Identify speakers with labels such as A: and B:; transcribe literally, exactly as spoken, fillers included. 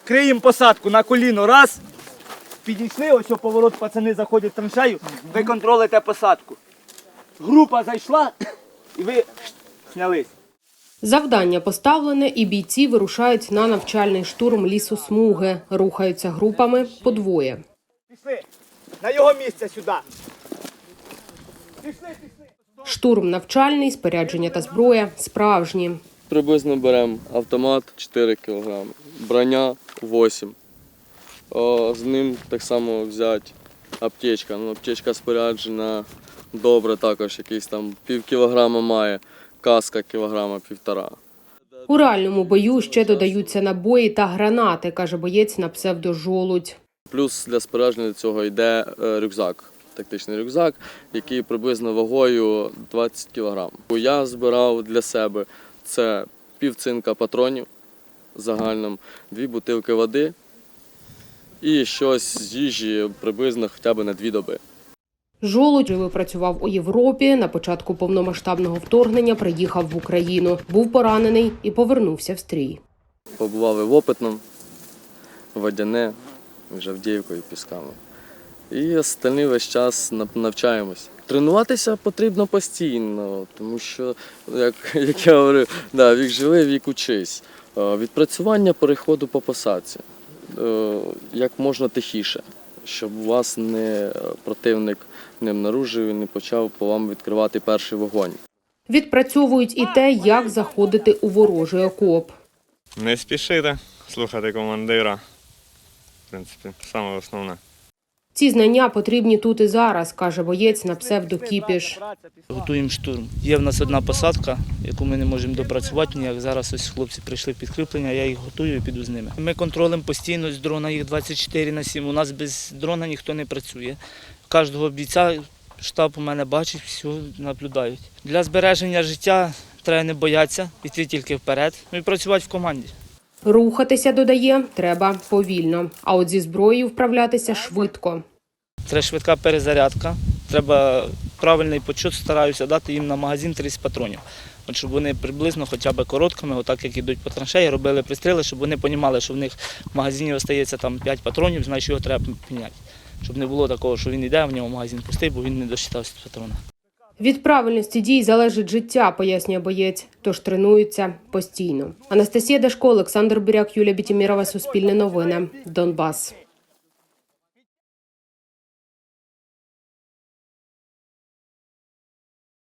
A: Криємо посадку на коліно. Раз. Підійшли, ось поворот, пацани заходять в траншею. Ви контролите посадку. Група зайшла і ви знялись.
B: Завдання поставлене, і бійці вирушають на навчальний штурм лісосмуги. Рухаються групами по двоє.
A: Пішли. На його місце сюди. Пішли, пішли.
B: Штурм навчальний, спорядження та зброя справжні.
C: Приблизно беремо автомат чотири кілограми, броня вісім. О, з ним так само взяти аптечка. Ну, аптечка споряджена добре, також якийсь там пів кілограма має, каска кілограма півтора.
B: У реальному бою ще додаються набої та гранати, каже боєць на псевдо «Жолудь».
C: Плюс для спорядження цього йде рюкзак, тактичний рюкзак, який приблизно вагою двадцять кілограм. Я збирав для себе це пів цинка патронів загальним, дві бутилки води і щось з їжі приблизно хоча б на дві доби.
B: «Жолудь» випрацював у Європі, на початку повномасштабного вторгнення приїхав в Україну. Був поранений і повернувся в стрій.
C: Побували в Опитному, Водяне, між Авдіївкою і Пісками. І остальний весь час навчаємось. Тренуватися потрібно постійно, тому що, як, як я говорив, да, вік живи, вік учись. Відпрацювання переходу по посадці як можна тихіше, щоб вас не противник не обнаружив і не почав по вам відкривати перший вогонь.
B: Відпрацьовують і те, як заходити у ворожий окоп.
D: Не спішити, слухати командира. В принципі, саме основне.
B: Ці знання потрібні тут і зараз, каже боєць на псевдо «Кіпіш».
E: Готуємо штурм. Є в нас одна посадка, яку ми не можемо допрацювати ніяк. Зараз ось хлопці прийшли підкріплення, я їх готую і піду з ними. Ми контролюємо постійно з дрона, їх двадцять чотири на сім. У нас без дрона ніхто не працює. Кожного бійця штаб у мене бачить, все наблюдають. Для збереження життя треба не боятися, йти тільки вперед і працювати в команді.
B: Рухатися, додає, треба повільно, а от зі зброєю вправлятися швидко.
E: Треба швидка перезарядка, треба правильний почут, стараюся дати їм на магазин тридцять патронів. От щоб вони приблизно хоча б короткими, отак як йдуть по траншеї, робили пристріли, щоб вони розуміли, що в них в магазині залишається там п'ять патронів, значить його треба міняти. Щоб не було такого, що він йде, а в нього магазин пустий, бо він не досчитався патрона.
B: Від правильності дій залежить життя, пояснює боєць, тож тренуються постійно. Анастасія Дашко, Олександр Буряк, Юлія Бітімірова, Суспільне новини, Донбас.